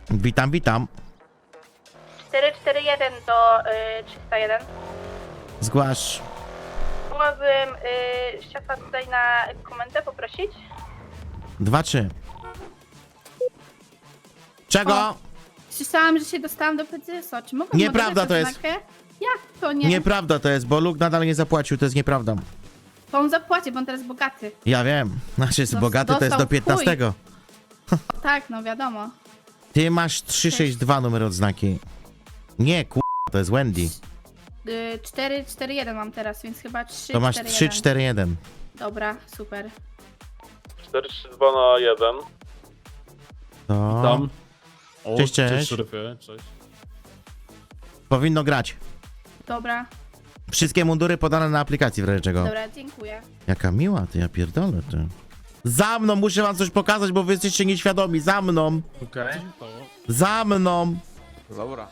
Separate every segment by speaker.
Speaker 1: Witam, witam.
Speaker 2: 441 do 301.
Speaker 1: Zgłasz.
Speaker 2: Mogłabym szefa tutaj na komendę poprosić?
Speaker 1: 2-3. Czego?
Speaker 2: O. Słyszałam, że się dostałam do PCS-u. Czy mogę
Speaker 1: Nieprawda to jest.
Speaker 2: znakę? Jak to nie?
Speaker 1: Nieprawda to jest, bo Luke nadal nie zapłacił, to jest nieprawda.
Speaker 2: To on zapłaci, bo on teraz bogaty.
Speaker 1: Ja wiem. Znaczy jest bogaty, to jest do
Speaker 2: dostał w chuj.
Speaker 1: 15.
Speaker 2: Tak, no wiadomo.
Speaker 1: Ty masz 362 numer odznaki. Nie, to jest Wendy.
Speaker 2: 441 mam teraz, więc chyba 3.
Speaker 1: To masz 341.
Speaker 2: Dobra, super.
Speaker 3: 432 na 1.
Speaker 1: To
Speaker 4: Tam. O,
Speaker 1: Cześć, cześć.
Speaker 4: Cześć, szeryfie, cześć.
Speaker 1: powinno grać.
Speaker 2: Dobra,
Speaker 1: Wszystkie mundury podane na aplikacji w razie czego.
Speaker 2: dobra, dziękuję.
Speaker 1: Jaka miła, ty, ja pierdolę, ty. Za mną, muszę wam coś pokazać, bo wy jesteście nieświadomi. Za mną,
Speaker 4: Okej.
Speaker 1: za mną.
Speaker 4: Dobra.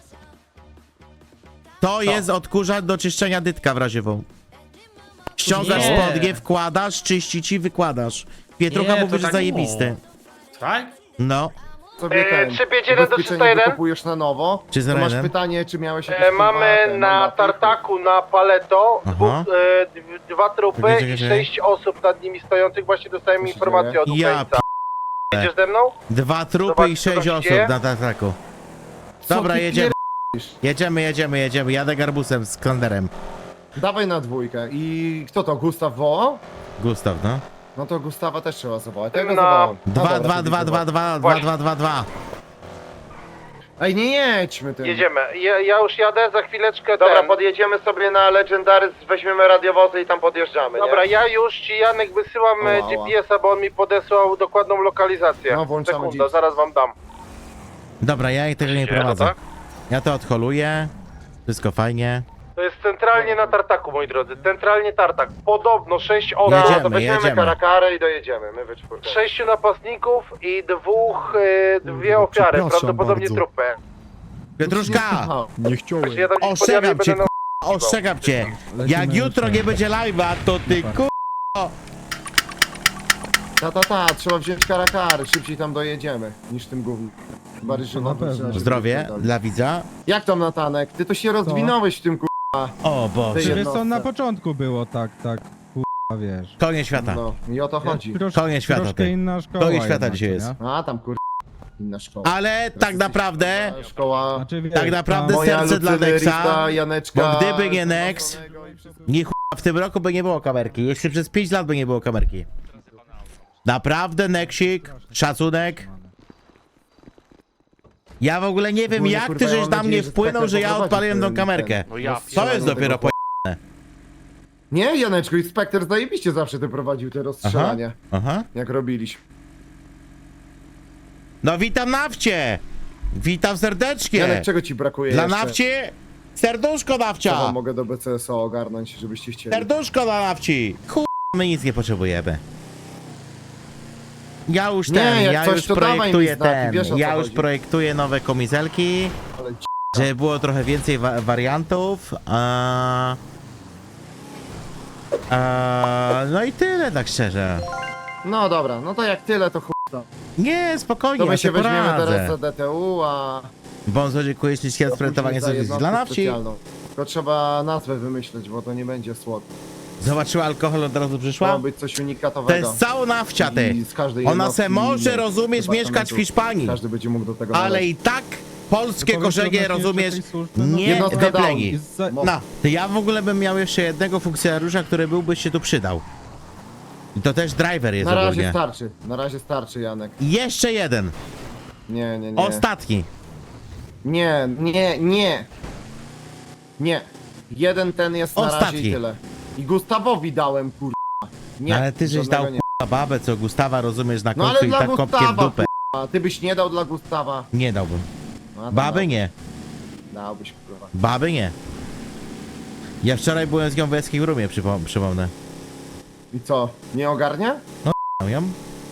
Speaker 1: To jest odkurzacz do czyszczenia dytka w razie w. Ściągasz
Speaker 4: Nie.
Speaker 1: spodnie, wkładasz, czyści ci, wykładasz. Pietrucha
Speaker 4: Nie,
Speaker 1: mówi,
Speaker 4: to
Speaker 1: że
Speaker 4: tak
Speaker 1: zajebisty.
Speaker 4: Tak?
Speaker 1: No.
Speaker 5: Sobie ten
Speaker 3: 351 do
Speaker 5: ubezpieczenie
Speaker 3: 301?
Speaker 5: wykupujesz na nowo.
Speaker 1: Czy
Speaker 5: To masz
Speaker 1: 01?
Speaker 5: pytanie, czy miałeś jakieś
Speaker 3: Mamy
Speaker 5: kurwa,
Speaker 3: na
Speaker 5: mandaty?
Speaker 3: tartaku na Paleto
Speaker 1: Aha.
Speaker 3: dwa trupy
Speaker 1: Czekaj,
Speaker 3: i
Speaker 1: czekaj.
Speaker 3: 6 osób nad nimi stojących. Właśnie dostałem
Speaker 5: Co się
Speaker 3: informację
Speaker 5: dzieje?
Speaker 3: od
Speaker 1: Ja
Speaker 3: Ukraińca. Jedziesz ze mną?
Speaker 1: 2 trupy
Speaker 3: Zobacz,
Speaker 1: i
Speaker 3: co
Speaker 1: 6
Speaker 3: tam się
Speaker 1: osób
Speaker 3: dzieje.
Speaker 1: na tartaku.
Speaker 5: Co
Speaker 1: Dobra,
Speaker 5: ty
Speaker 1: jedziemy.
Speaker 5: pierdolisz?
Speaker 1: Jedziemy. Jadę garbusem z klanderem.
Speaker 5: Dawaj na dwójkę. I kto to? Gustaw wołał?
Speaker 1: Gustaw, no.
Speaker 5: No to Gustawa też trzeba zawołać. Ja go
Speaker 3: Na-
Speaker 5: zawołam. No
Speaker 1: 2,
Speaker 5: dobra,
Speaker 1: 2,
Speaker 5: to
Speaker 1: 2,
Speaker 5: widzę.
Speaker 1: 2, 2, 2,
Speaker 3: Właśnie.
Speaker 1: 2, 2, 2.
Speaker 5: Ej, nie jedźmy tym.
Speaker 3: Jedziemy. Ja już jadę, za chwileczkę Dobra, podjedziemy sobie na Legendary, weźmiemy radiowozy i tam podjeżdżamy, Dobra, ja już ci, Janek, wysyłam
Speaker 5: Ała, ała.
Speaker 3: GPS-a, bo on mi podesłał dokładną lokalizację.
Speaker 5: No, włączamy
Speaker 3: Sekunda,
Speaker 5: GPS.
Speaker 3: zaraz wam dam.
Speaker 1: Dobra, ja tego nie prowadzę.
Speaker 3: tak?
Speaker 1: Ja to odholuję. Wszystko fajnie.
Speaker 3: To jest centralnie na tartaku, moi drodzy. Centralnie tartak. Podobno 6 osób.
Speaker 1: Jedziemy,
Speaker 3: to weźmiemy
Speaker 1: jedziemy.
Speaker 3: karakarę i dojedziemy. My we czwórkę. 6 napastników i dwie ofiary. Prawdopodobnie
Speaker 6: bardzo.
Speaker 3: trupy.
Speaker 1: Pietruszka!
Speaker 5: Aha.
Speaker 6: Nie chciałem.
Speaker 3: Ja tam gdzieś podjadę i
Speaker 1: Ostrzegam cię,
Speaker 3: będę na...
Speaker 1: ostrzegam cię. Jak jutro nie będzie live'a, to ty
Speaker 5: Trzeba wziąć karakary, szybciej tam dojedziemy niż tym gównem. Bardziej, że
Speaker 6: na pewno.
Speaker 5: trzeba się
Speaker 1: Zdrowie
Speaker 5: wypierdolić.
Speaker 1: dla widza.
Speaker 5: Jak tam Natanek? Ty to się rozwinąłeś w tym
Speaker 1: O
Speaker 5: Ty
Speaker 1: Boże.
Speaker 5: je-
Speaker 6: Wiesz co, na początku było tak, kurwa, wiesz.
Speaker 1: Koniec świata.
Speaker 5: No i o to chodzi.
Speaker 1: Koniec świata,
Speaker 6: Troszkę
Speaker 1: ty.
Speaker 6: inna szkoła.
Speaker 1: Koniec świata
Speaker 6: jednak,
Speaker 1: dzisiaj
Speaker 6: nie?
Speaker 1: jest.
Speaker 5: A tam inna szkoła.
Speaker 1: Ale tak naprawdę,
Speaker 5: Szkoła
Speaker 6: Znaczy, wiesz,
Speaker 1: tak naprawdę
Speaker 5: moja
Speaker 1: serce dla
Speaker 5: Lucyny,
Speaker 1: Nexa,
Speaker 5: Rita, Janeczka.
Speaker 1: bo gdyby nie Nex, nie w tym roku by nie było kamerki. Jeszcze przez 5 lat by nie było kamerki. Naprawdę, Nexik, szacunek. Ja w ogóle nie wiem,
Speaker 5: Ogólnie,
Speaker 1: jak
Speaker 5: kurwa,
Speaker 1: ty
Speaker 5: ja
Speaker 1: żeś
Speaker 5: mam
Speaker 1: na
Speaker 5: nadzieję,
Speaker 1: mnie
Speaker 5: że
Speaker 1: wpłynął,
Speaker 5: Spekter
Speaker 1: że ja
Speaker 5: poprowadzi
Speaker 1: odpaliłem tą
Speaker 5: ten-
Speaker 1: kamerkę.
Speaker 5: ten-
Speaker 1: To jest dopiero po...
Speaker 5: Nie, Janeczku, i Spekter zajebiście zawsze ty prowadził te rozstrzelania.
Speaker 1: Aha.
Speaker 5: Jak robiliśmy.
Speaker 1: No witam nawcie! Witam serdecznie!
Speaker 5: Janek, czego ci brakuje
Speaker 1: Dla
Speaker 5: jeszcze?
Speaker 1: nawci, serduszko
Speaker 5: Co wam
Speaker 1: nawcia!
Speaker 5: mogę do BCSO ogarnąć, żebyście chcieli?
Speaker 1: Serduszko dla nawci! My nic nie potrzebujemy. Ja już
Speaker 5: Nie,
Speaker 1: ten,
Speaker 5: jak
Speaker 1: ja
Speaker 5: coś,
Speaker 1: już
Speaker 5: to dawaj mi
Speaker 1: projektuję
Speaker 5: znaki,
Speaker 1: ten,
Speaker 5: wiesz, o co
Speaker 1: ja już
Speaker 5: chodzi.
Speaker 1: projektuję nowe komiselki,
Speaker 5: Ale
Speaker 1: żeby było trochę więcej wariantów. No i tyle, tak szczerze.
Speaker 5: No dobra, no to jak tyle, to chuj.
Speaker 1: Nie, spokojnie,
Speaker 5: To
Speaker 1: ja
Speaker 5: my
Speaker 1: się
Speaker 5: się weźmiemy teraz
Speaker 1: poradzę.
Speaker 5: za DTU, a...
Speaker 1: Bonzo, dziękuję ślicznie za sprezentowanie
Speaker 5: za
Speaker 1: sobie
Speaker 5: jednostkę
Speaker 1: dla nawci.
Speaker 5: specjalną. Tylko trzeba nazwę wymyśleć, bo to nie będzie słod.
Speaker 1: Zobaczyła alkohol, od razu
Speaker 5: Ma
Speaker 1: przyszła?
Speaker 5: być coś
Speaker 1: To
Speaker 5: unikatowego.
Speaker 1: jest całą nawcia, ty.
Speaker 5: I z każdej
Speaker 1: Ona
Speaker 5: jednostki
Speaker 1: se może,
Speaker 5: innej
Speaker 1: rozumiesz, mieszkać w
Speaker 5: departamentu.
Speaker 1: Hiszpanii.
Speaker 5: Każdy będzie mógł do tego
Speaker 1: Ale
Speaker 5: należeć.
Speaker 1: i tak polskie
Speaker 6: Powiedz
Speaker 1: korzenie,
Speaker 6: odnośnie
Speaker 1: rozumiesz,
Speaker 6: jeszcze tej służby, no.
Speaker 1: nie
Speaker 5: Jednostka
Speaker 1: wypleni.
Speaker 5: down.
Speaker 1: No, to ja w ogóle bym miał jeszcze jednego funkcjonariusza, który byłby się tu przydał. I to też driver jest ogólnie.
Speaker 5: Na razie starczy, Janek.
Speaker 1: I jeszcze jeden,
Speaker 5: Nie.
Speaker 1: ostatni.
Speaker 5: Nie. Jeden ten jest na razie
Speaker 1: Ostatni.
Speaker 5: i tyle. I Gustawowi dałem, kurwa. Nie,
Speaker 1: Ale ty żeś
Speaker 5: żadnego
Speaker 1: dał
Speaker 5: nie.
Speaker 1: k***a babę, co Gustawa, rozumiesz, na
Speaker 5: No
Speaker 1: końcu
Speaker 5: ale
Speaker 1: i
Speaker 5: dla
Speaker 1: tak kopkiem w
Speaker 5: Gustawa,
Speaker 1: dupę.
Speaker 5: kurwa. Ty byś nie dał dla Gustawa.
Speaker 1: Nie dałbym.
Speaker 5: No, to
Speaker 1: Baby
Speaker 5: dał.
Speaker 1: nie,
Speaker 5: Dałbyś, kurwa.
Speaker 1: baby nie. Ja wczoraj byłem z nią w escape roomie, przypomnę.
Speaker 5: I co, nie ogarnia?
Speaker 1: No ją?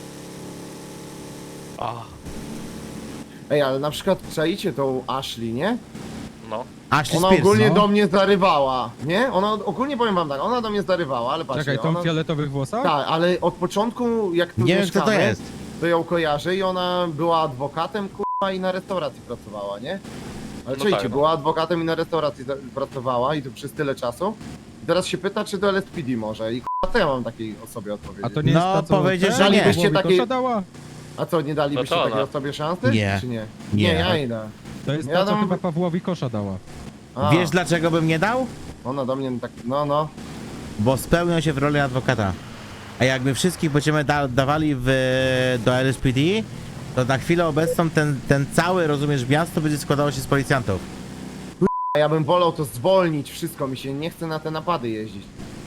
Speaker 5: Ej, ale na przykład czaicie tą Ashley, nie?
Speaker 1: Ashley
Speaker 5: Ona
Speaker 1: Spears,
Speaker 5: ogólnie
Speaker 1: no.
Speaker 5: do mnie zarywała, nie? Ona ogólnie powiem wam tak, ona do mnie zarywała, ale patrzcie,
Speaker 6: Czekaj, tą
Speaker 5: ona...
Speaker 6: w fioletowych włosach?
Speaker 5: Tak, ale od początku jak tu
Speaker 1: Nie wiem, kto to
Speaker 5: mieszkamy,
Speaker 1: jest.
Speaker 5: to ją kojarzę i ona była adwokatem, i na restauracji pracowała, nie? Ale
Speaker 7: No
Speaker 5: czujcie,
Speaker 7: tak, no.
Speaker 5: była adwokatem i na restauracji pracowała i to przez tyle czasu. I teraz się pyta, czy do LSPD może i co ja mam takiej osobie odpowiedzieć?
Speaker 6: A to nie
Speaker 1: No,
Speaker 6: jest ta, co
Speaker 1: powiedzieć,
Speaker 6: ten?
Speaker 1: że nie.
Speaker 5: Dalibyście
Speaker 6: Głowi
Speaker 5: takiej-
Speaker 6: kosza dała?
Speaker 5: A co, nie dalibyście
Speaker 7: No to
Speaker 5: takiej
Speaker 7: ona.
Speaker 5: osobie szansy?
Speaker 1: Nie.
Speaker 5: Czy nie?
Speaker 1: Nie.
Speaker 5: Nie, ja idę.
Speaker 6: To jest
Speaker 5: Ja
Speaker 6: ta, co
Speaker 5: dam-
Speaker 6: chyba Pawłowi kosza dała.
Speaker 5: A,
Speaker 1: Wiesz dlaczego bym nie dał?
Speaker 5: ona do mnie tak, no.
Speaker 1: Bo spełnią się w roli adwokata. A jak my wszystkich będziemy dawali do LSPD, to na chwilę obecną ten cały, rozumiesz, miasto będzie składało się z policjantów.
Speaker 5: A ja bym wolał to zwolnić wszystko, mi się nie chce na te napady jeździć.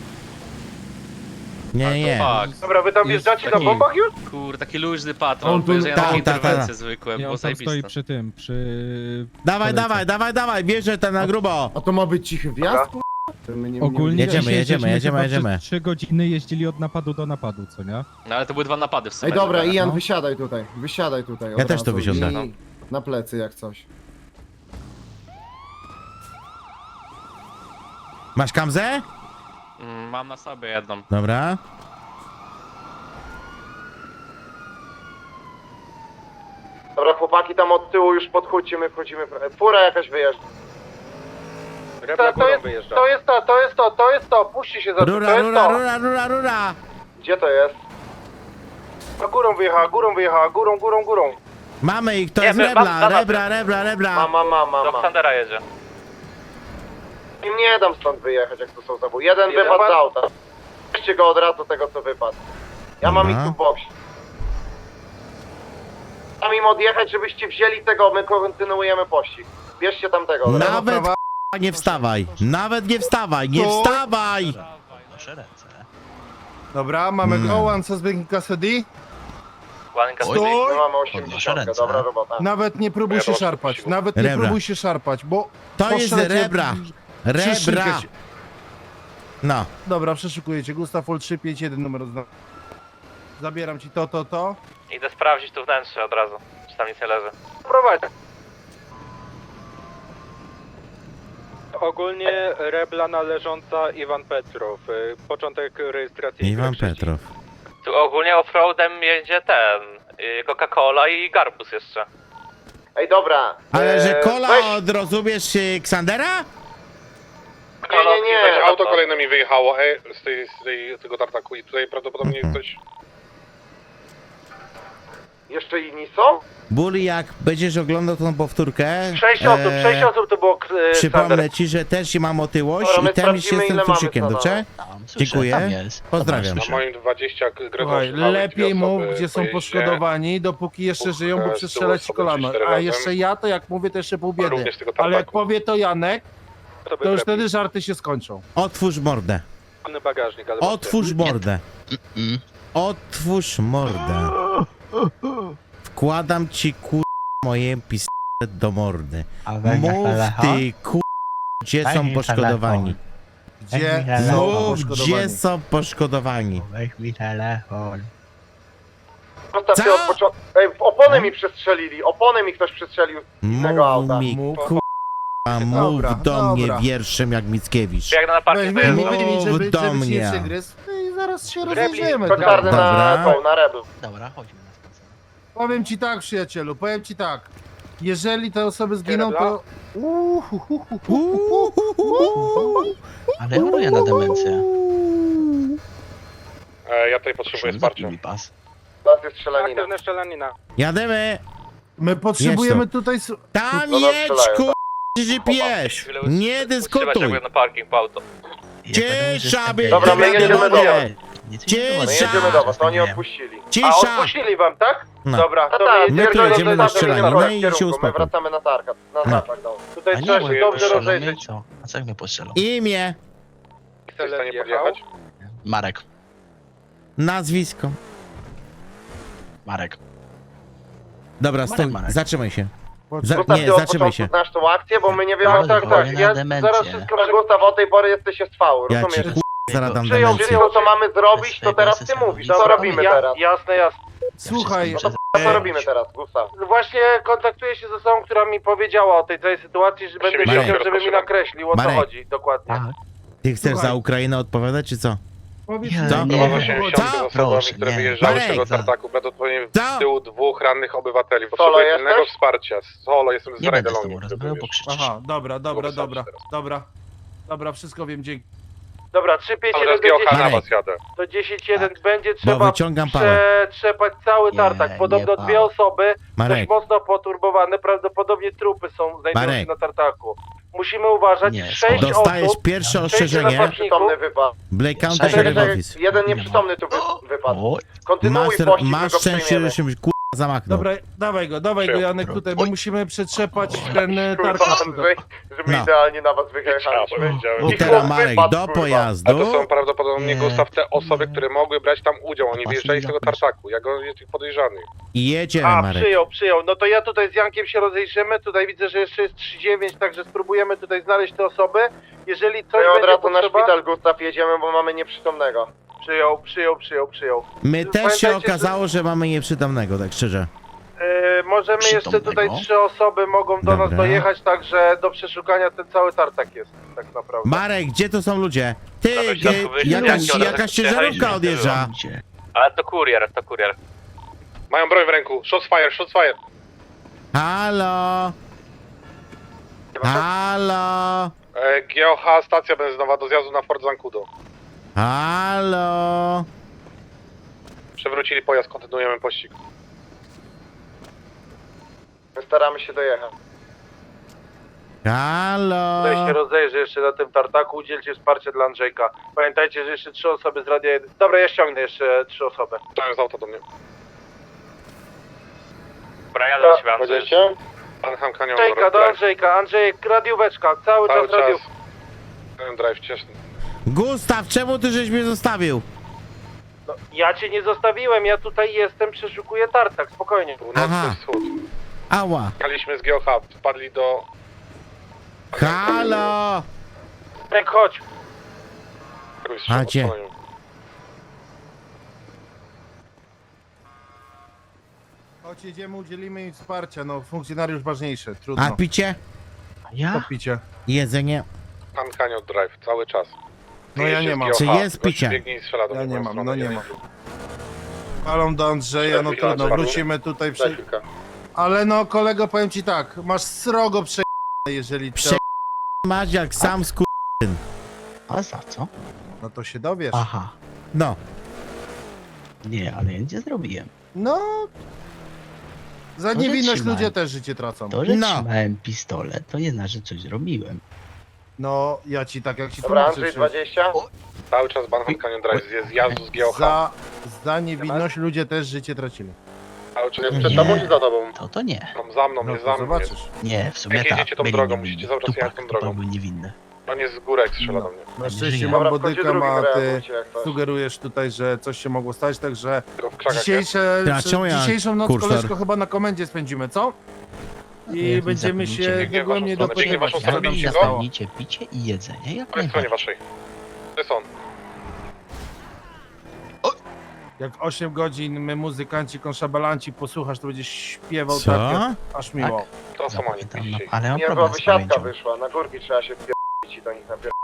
Speaker 1: Nie.
Speaker 7: Fuck.
Speaker 3: Dobra, wy tam
Speaker 7: Jest
Speaker 3: wjeżdżacie na
Speaker 7: taki-
Speaker 3: bombach już?
Speaker 7: Kurde, taki luźny patrol,
Speaker 5: On tu-
Speaker 7: bo ja
Speaker 1: tak,
Speaker 7: na
Speaker 1: tak,
Speaker 7: interwencje
Speaker 1: tak.
Speaker 7: zwykłe,
Speaker 6: Nie,
Speaker 7: było
Speaker 6: on tam stoi
Speaker 7: zajebiste.
Speaker 6: przy tym, przy...
Speaker 1: Dawaj,
Speaker 6: kolejce.
Speaker 1: dawaj, bierze ten na grubo.
Speaker 5: A to ma być cichy wjazd? ku- To my nie-
Speaker 6: Ogólnie
Speaker 1: Jedziemy,
Speaker 6: dzisiaj
Speaker 1: jedziemy,
Speaker 6: żeśmy
Speaker 1: jedziemy,
Speaker 6: chyba
Speaker 1: jedziemy.
Speaker 6: przez 3 godziny jeździli od napadu do napadu, co nie?
Speaker 7: No ale to były 2 napady w sumie.
Speaker 5: Ej, dobra,
Speaker 7: żeby-
Speaker 5: Ian,
Speaker 6: no.
Speaker 5: wysiadaj tutaj. od
Speaker 1: Ja też
Speaker 5: razu
Speaker 1: tu wysiądę.
Speaker 5: i Na plecy jak coś.
Speaker 1: Masz kamzę?
Speaker 7: Mam na sobie jedną.
Speaker 1: Dobra.
Speaker 3: Dobra, chłopaki tam od tyłu już podchódźcie, my wchodzimy. Fura jakaś wyjeżdża. To jest to, puśćcie się za to, to
Speaker 1: Rura,
Speaker 3: jest
Speaker 1: rura,
Speaker 3: to.
Speaker 1: rura.
Speaker 3: Gdzie to jest? No górą wyjechała, górą.
Speaker 1: Mamy ich, to
Speaker 7: Nie,
Speaker 1: jest
Speaker 7: mam
Speaker 1: rebla.
Speaker 3: Mam.
Speaker 7: Do Sandera jedzie.
Speaker 3: Im nie dam stąd wyjechać, jak to są zabój. Jeden wypadł z auta. Weźcie go od razu tego, co wypadł. Ja mam ich
Speaker 1: Dobra.
Speaker 3: tu w boksie. Mam im odjechać, żebyście wzięli tego, my kontynuujemy pościg. Bierzcie tamtego. od razu.
Speaker 1: Nawet nie wstawaj. Nawet nie wstawaj, nie wstawaj.
Speaker 8: Dobra, mamy
Speaker 1: Mm.
Speaker 8: go, one suspect in custody.
Speaker 7: Łaninka
Speaker 8: Stój!
Speaker 3: My mamy 80, dobra robota.
Speaker 8: Nawet nie próbuj się szarpać, nawet nie
Speaker 1: Rebra.
Speaker 8: próbuj się szarpać, bo...
Speaker 1: To jest
Speaker 8: postrzelę cię-
Speaker 1: rebra.
Speaker 8: Przeszykę
Speaker 1: Rebra.
Speaker 8: cię.
Speaker 1: No.
Speaker 8: Dobra, przeszukuję cię. Gustaw Ol 351 numer zna. Zabieram ci to.
Speaker 7: Idę sprawdzić tu wnętrze od razu, czy tam nic nie leży.
Speaker 3: Prowadź.
Speaker 9: Ogólnie rebla należąca Iwan Petrow. Początek rejestracji.
Speaker 1: Iwan Petrow.
Speaker 7: Tu ogólnie offroadem jedzie ten, Coca-Cola i Garbus jeszcze.
Speaker 3: Ej, dobra.
Speaker 1: Ale że kola
Speaker 3: weź-
Speaker 1: od, rozumiesz, Ksandera?
Speaker 3: Nie.
Speaker 7: Auto
Speaker 10: Kolejne mi wyjechało tego tartaku i tutaj prawdopodobnie ktoś...
Speaker 3: Jeszcze inni są?
Speaker 1: Buli, jak będziesz oglądał tą powtórkę,
Speaker 3: 6 osób to było
Speaker 1: przypomnę ci, że też się mam otyłość
Speaker 3: Dobra, my
Speaker 1: i ten się
Speaker 3: sprawdzimy,
Speaker 1: z tym
Speaker 3: ile mamy
Speaker 1: susikiem,
Speaker 3: co
Speaker 1: dobrze? Dziękuję. Pozdrawiam.
Speaker 10: Na moim 20
Speaker 8: Słuchaj, lepiej mów, gdzie są poszkodowani, dopóki jeszcze żyją, bo przestrzelać ci kolano. A jeszcze ja, to jak mówię, to jeszcze pół biedy.
Speaker 10: Również tego
Speaker 8: Ale jak
Speaker 10: tartaku.
Speaker 8: powie to Janek, to już wtedy żarty się skończą.
Speaker 1: Otwórz mordę.
Speaker 9: Bagażnik, ale
Speaker 1: Otwórz mordę. Otwórz mordę. Wkładam ci moje pistolet do mordy. Mów ty gdzie są poszkodowani.
Speaker 8: Gdzie są
Speaker 1: Mów gdzie
Speaker 8: poszkodowani?
Speaker 1: są poszkodowani.
Speaker 3: Zostaw się
Speaker 1: Co?
Speaker 3: od początku. Ej, opony mi przestrzelili, opony mi ktoś przestrzelił innego
Speaker 1: Mów
Speaker 3: auta.
Speaker 1: mi
Speaker 8: Mów.
Speaker 1: mów
Speaker 8: Dobra,
Speaker 1: do mnie
Speaker 8: dobra.
Speaker 1: wierszem jak Mickiewicz.
Speaker 7: Jak na parking
Speaker 8: Weź,
Speaker 7: wyjeżdża.
Speaker 8: wyjmij,
Speaker 1: Mów
Speaker 8: żeby
Speaker 1: do
Speaker 8: ci
Speaker 1: mnie.
Speaker 8: nie przygryzł. I zaraz się
Speaker 3: Rebli,
Speaker 8: rozejrzymy.
Speaker 3: to czarny
Speaker 1: Dobra.
Speaker 3: na Rebel.
Speaker 8: Powiem ci tak, przyjacielu, powiem ci tak. Jeżeli te osoby zginą, to...
Speaker 11: Ale choruję na demencję.
Speaker 10: Ja tutaj potrzebuję wsparcia.
Speaker 3: Teraz jest strzelanina.
Speaker 9: aktywna strzelanina.
Speaker 1: Jademy.
Speaker 8: My potrzebujemy
Speaker 1: Jedź
Speaker 8: tutaj...
Speaker 1: Tam
Speaker 3: No, no,
Speaker 1: jedź
Speaker 3: strzelają,
Speaker 1: GPS. Nie dyskutuj.
Speaker 7: na parking po auto.
Speaker 1: Cisza, by
Speaker 3: Dobra, my jedziemy do was. My
Speaker 1: Cisza.
Speaker 3: jedziemy do was, to oni odpuścili. A
Speaker 1: Cisza.
Speaker 3: odpuścili wam, tak?
Speaker 1: No.
Speaker 3: Dobra, to
Speaker 1: My tu jedziemy na strzelaninę i się
Speaker 3: My
Speaker 1: uspokój.
Speaker 3: wracamy na targat, na tartak, no. Tutaj
Speaker 11: A nie,
Speaker 3: trzeba
Speaker 11: bo
Speaker 3: się
Speaker 11: jak
Speaker 3: dobrze
Speaker 11: postrzelą mnie,
Speaker 3: rozejrzeć.
Speaker 11: co? A co jak mnie postrzelą?
Speaker 1: Imię,
Speaker 10: Jesteś w stanie podjechać?
Speaker 11: Marek.
Speaker 1: nazwisko.
Speaker 11: Marek.
Speaker 1: Dobra, stój,
Speaker 11: Marek.
Speaker 1: zatrzymaj się.
Speaker 3: Gustaw,
Speaker 1: Nie,
Speaker 3: ty od
Speaker 1: zatrzymaj
Speaker 3: początku
Speaker 1: się.
Speaker 3: znasz tą akcję, bo my nie wiemy,
Speaker 11: Tak,
Speaker 3: tak,
Speaker 11: choruję na
Speaker 3: ja
Speaker 11: demencję.
Speaker 3: zaraz wszystko... Gustaw, od tej pory jesteś SV,
Speaker 1: Ja cię
Speaker 3: rozumiesz?
Speaker 1: zaradam
Speaker 3: Przyjął,
Speaker 1: demencję.
Speaker 3: co mamy zrobić, to teraz ty mówisz, co robimy teraz? Jasne.
Speaker 8: Słuchaj,
Speaker 3: Co robimy teraz, Gustaw? Właśnie kontaktuję się z osobą, która mi powiedziała o tej całej sytuacji, że będę
Speaker 1: Marek.
Speaker 3: chciał, żeby mi nakreślił, o co
Speaker 1: Marek.
Speaker 3: chodzi dokładnie.
Speaker 11: Tak.
Speaker 1: Ty chcesz
Speaker 8: Słuchaj.
Speaker 1: za Ukrainę odpowiadać, czy co?
Speaker 8: powiedz
Speaker 11: Ja
Speaker 8: mi,
Speaker 1: Co?
Speaker 11: nie
Speaker 10: Prowadza
Speaker 11: wiem.
Speaker 10: się
Speaker 1: Co?
Speaker 10: miesiące z osobami,
Speaker 11: Proszę,
Speaker 10: które
Speaker 11: nie.
Speaker 10: wyjeżdżały z tego
Speaker 1: Marek,
Speaker 10: tartaku. Prawdopodobnie
Speaker 1: Co?
Speaker 10: w tyłu 2 rannych obywateli.
Speaker 3: Solo
Speaker 10: Potrzebuję
Speaker 3: jesteś?
Speaker 10: pilnego wsparcia. Solo, jestem z
Speaker 11: Nie będę z
Speaker 10: Rajdelonii.
Speaker 11: tobą rozmawiał, bo krzyczysz.
Speaker 8: Aha, dobra,
Speaker 10: Było wystarczy teraz.
Speaker 8: dobra, wszystko wiem, dzięki.
Speaker 3: Dobra, 3-5-1
Speaker 10: Ale z
Speaker 3: do
Speaker 10: GOH na
Speaker 3: 10.
Speaker 10: was jadę.
Speaker 3: To 10-1 będzie
Speaker 1: Bo
Speaker 3: trzeba
Speaker 1: wyciągam pałę.
Speaker 3: przetrzepać cały
Speaker 11: Nie,
Speaker 3: tartak. Podobno
Speaker 11: nie
Speaker 3: dwie
Speaker 11: pałę.
Speaker 3: osoby,
Speaker 1: Marek.
Speaker 3: dość mocno poturbowane, prawdopodobnie trupy znajdują się
Speaker 1: Marek.
Speaker 3: na tartaku. Musimy uważać,
Speaker 11: Nie,
Speaker 3: 6
Speaker 1: Dostajesz
Speaker 3: osób,
Speaker 1: pierwsze
Speaker 3: 6
Speaker 1: ostrzeżenie.
Speaker 3: napastników.
Speaker 1: Blake County
Speaker 11: Czekaj,
Speaker 1: Sheriff
Speaker 11: czekaj,
Speaker 1: Office.
Speaker 3: Jeden nieprzytomny tu wypadł.
Speaker 11: Oj,
Speaker 3: Kontynuuj pościg, my
Speaker 1: Masz
Speaker 3: go
Speaker 1: szczęście,
Speaker 3: przejmiemy.
Speaker 1: że się zamachnął.
Speaker 8: Dobra, dawaj go Janek tutaj, my musimy przetrzepać ten
Speaker 3: Kurwa,
Speaker 8: tartak.
Speaker 3: Andrzej, że my
Speaker 1: No.
Speaker 3: idealnie na was wyjechaliśmy.
Speaker 1: I teraz Marek, do
Speaker 10: A
Speaker 1: pojazdu.
Speaker 10: to są prawdopodobnie
Speaker 11: Nie.
Speaker 10: Gustaw te osoby, które mogły brać tam udział. Oni
Speaker 11: Pasy
Speaker 10: wyjeżdżali z tego
Speaker 11: zapraszam.
Speaker 10: tartaku. Ja go jest ich podejrzany.
Speaker 1: I jedziemy,
Speaker 3: A,
Speaker 1: Marek.
Speaker 3: przyjął. No to ja tutaj z Jankiem się rozejrzymy. Tutaj widzę, że jeszcze jest 3-9, także spróbujemy tutaj znaleźć te osoby. Jeżeli coś
Speaker 12: od
Speaker 3: będzie
Speaker 12: razu na
Speaker 3: potrzeba...
Speaker 12: szpital, Gustaw, jedziemy, bo mamy nieprzytomnego.
Speaker 3: Przyjął.
Speaker 1: My też się
Speaker 3: Pamiętajcie, że-
Speaker 1: okazało, że mamy nieprzytomnego, tak szczerze.
Speaker 3: Możemy jeszcze tutaj
Speaker 11: Przytomnego?
Speaker 3: 3 osoby mogą do nas
Speaker 1: Dobra.
Speaker 3: dojechać, także do przeszukania ten cały tartak jest, tak naprawdę.
Speaker 1: Marek, gdzie to są ludzie? Ty,
Speaker 7: Prawie środku wyjścia,
Speaker 1: jakaś
Speaker 7: jak
Speaker 1: jakaś
Speaker 7: przyjechaliśmy,
Speaker 1: ciężarówka odjeżdża.
Speaker 11: Gdzie?
Speaker 7: Ale to kurier.
Speaker 10: Mają broń w ręku. Shots fire.
Speaker 1: Halo? Halo?
Speaker 10: GOH, stacja benzynowa do zjazdu na Fort Zancudo.
Speaker 1: Halo?
Speaker 10: Przewrócili pojazd, kontynuujemy pościg.
Speaker 12: My staramy się dojechać.
Speaker 1: Halo?
Speaker 3: Tutaj się rozejrzy jeszcze na tym tartaku, udzielcie wsparcia dla Andrzejka. Pamiętajcie, że jeszcze 3 osoby z radia... Dobra, ja ściągnę jeszcze 3 osoby.
Speaker 10: Wstałem z auta do mnie.
Speaker 7: Dobra, jadę do ciebie, Andrzej.
Speaker 12: Będziecie?
Speaker 10: Anham Canyon
Speaker 3: Andrzejka, do Andrzejka, Andrzejek, radióweczka, cały
Speaker 10: Cały
Speaker 3: czas radiów.
Speaker 10: czas. Canyon Drive, ciasny.
Speaker 1: Gustaw, czemu ty żeś mnie zostawił?
Speaker 3: No, ja cię nie zostawiłem, ja tutaj jestem, przeszukuję tartak, spokojnie.
Speaker 1: Aha.
Speaker 10: Północny wschód.
Speaker 1: Ała.
Speaker 10: Jechaliśmy z GOH, wpadli do...
Speaker 1: Halo?
Speaker 3: Frank, chodź.
Speaker 1: A gdzie?
Speaker 8: Chodź, jedziemy, udzielimy im wsparcia, no funkcjonariusz ważniejszy, trudno.
Speaker 1: A picie?
Speaker 11: A ja?
Speaker 8: To picie.
Speaker 1: Jedzenie?
Speaker 10: Pan Canyon Drive, cały czas.
Speaker 8: No ja nie mam.
Speaker 1: Czy jest picie?
Speaker 10: Biegnie i strzela do
Speaker 8: Ja
Speaker 10: mnie
Speaker 8: nie
Speaker 10: w moją
Speaker 8: mam,
Speaker 10: stronę.
Speaker 8: no nie mam. Palą do Andrzeja, no trudno, wrócimy tutaj
Speaker 12: Za chwilkę.
Speaker 8: Ale no kolego, powiem ci tak, masz srogo prze... jeżeli
Speaker 1: Prze- Masz jak sam sku...
Speaker 11: A za co?
Speaker 8: No to się dowiesz.
Speaker 11: Aha.
Speaker 1: No.
Speaker 11: Nie, ale ja nic nie zrobiłem.
Speaker 8: No... Za
Speaker 11: że
Speaker 8: niewinność
Speaker 11: trzymaj.
Speaker 8: ludzie też życie tracą.
Speaker 11: To, że
Speaker 1: No.
Speaker 11: trzymałem pistolet, to nie znaczy, że coś zrobiłem.
Speaker 8: No, ja ci tak jak ci
Speaker 12: Dobra,
Speaker 8: tłumaczę,
Speaker 12: Andrzej,
Speaker 8: przecież
Speaker 12: 20?
Speaker 10: Cały czas Banham Canyon Drive, jest zjazdu z GOH.
Speaker 8: za niewinność ludzie też życie tracili.
Speaker 10: Cały czas
Speaker 12: Jest
Speaker 11: Nie.
Speaker 12: przed tobą czy za tobą?
Speaker 11: To nie.
Speaker 10: Tam za mną,
Speaker 8: No
Speaker 10: jest
Speaker 8: to
Speaker 10: za mną. Jest.
Speaker 8: zobaczysz.
Speaker 11: Nie, w sumie
Speaker 10: Jak
Speaker 11: tak.
Speaker 10: jedziecie tą
Speaker 11: byli
Speaker 10: drogą,
Speaker 11: niewinni.
Speaker 10: musicie cały czas jechać tą
Speaker 11: Tupak
Speaker 10: drogą.
Speaker 11: był niewinny.
Speaker 10: On jest z górek, strzela do mnie.
Speaker 8: Na szczęście
Speaker 11: żyje.
Speaker 8: mam
Speaker 12: Dobra, w końcu
Speaker 8: bodyka,
Speaker 12: drugim
Speaker 8: a ty
Speaker 12: reagujcie jak coś.
Speaker 8: sugerujesz tutaj, że coś się mogło stać, także
Speaker 10: Tylko w krzakach jest.
Speaker 1: Ja, czemu ja
Speaker 8: dzisiejszą noc
Speaker 1: kursor?
Speaker 8: koleżko chyba na komendzie spędzimy, co? I
Speaker 11: Jak
Speaker 8: będziemy
Speaker 11: zapomnicie,
Speaker 8: się
Speaker 10: biegnie
Speaker 8: dogłębnie
Speaker 10: waszą stronę, biegnie
Speaker 8: dopytywać,
Speaker 10: waszą
Speaker 8: co
Speaker 10: stronę,
Speaker 8: tam się
Speaker 10: biegnie
Speaker 8: stało.
Speaker 11: Zapomnijcie picie i jedzenie, jak
Speaker 10: Po tej stronie
Speaker 11: najbardziej.
Speaker 10: waszej. To jest on.
Speaker 8: Jak 8 godzin my muzykanci, konszabalanci posłuchasz, to będziesz śpiewał
Speaker 1: Co?
Speaker 8: tak, jak aż miło.
Speaker 10: To są oni,
Speaker 11: Zapytam, no,
Speaker 10: piszcie.
Speaker 11: ale mam
Speaker 12: Nie, bo
Speaker 11: problem z
Speaker 12: wysiadka
Speaker 11: pamięcią.
Speaker 12: wyszła, na górki trzeba się wpierdolić i do nich napierdolić.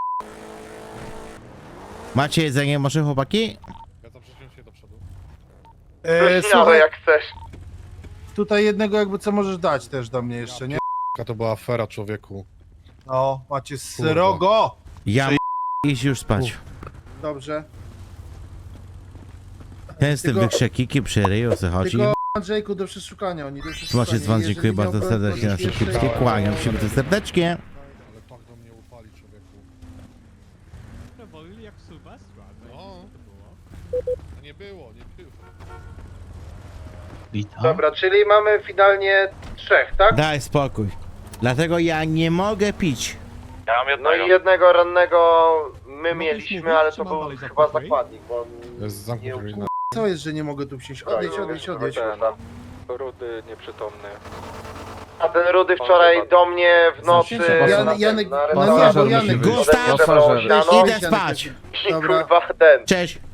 Speaker 1: Macie jedzenie może, chłopaki?
Speaker 10: Ja to przeciąłem się do przodu.
Speaker 12: Śmiało
Speaker 8: Słuchaj,
Speaker 12: jak chcesz.
Speaker 8: tutaj jednego jakby co możesz dać też do mnie jeszcze, nie?
Speaker 10: To była afera, człowieku.
Speaker 8: O, macie srogo!
Speaker 1: Ja iść już spać.
Speaker 8: Dobrze.
Speaker 1: Ten z tym
Speaker 8: Tylko-
Speaker 1: wykrzykiki przy ryju se chodzi.
Speaker 8: Tylko Andrzejku do przeszukania, oni do przeszukania.
Speaker 1: Słuchajcie, dzwon,
Speaker 8: Jeżeli
Speaker 1: dziękuję bardzo
Speaker 8: miał
Speaker 1: serdecznie na
Speaker 8: kogoś
Speaker 1: szybkie
Speaker 8: jeszcze-
Speaker 1: kłaniam się bardzo serdecznie.
Speaker 10: Ale tak do mnie upali, człowieku. No. Nie było.
Speaker 11: Witam.
Speaker 3: Dobra, czyli mamy finalnie 3, tak?
Speaker 1: Daj spokój. Dlatego ja nie mogę pić.
Speaker 7: Ja mam
Speaker 12: No
Speaker 7: jednego.
Speaker 12: i jednego rannego my mieliśmy, ale to był chyba zakładnik, bo on nie
Speaker 8: Co jest, że nie mogę tu wsiąść? Odejdź.
Speaker 9: Rudy nieprzytomny.
Speaker 12: A ten Rudy wczoraj do mnie w nocy...
Speaker 8: Janek,
Speaker 12: na
Speaker 8: no nie, bo
Speaker 12: restauracji
Speaker 8: Janek,
Speaker 1: Gustaw,
Speaker 12: zebrał siano
Speaker 1: idę spać.
Speaker 12: I
Speaker 8: Dobra.
Speaker 12: kurwa ten.
Speaker 1: Cześć.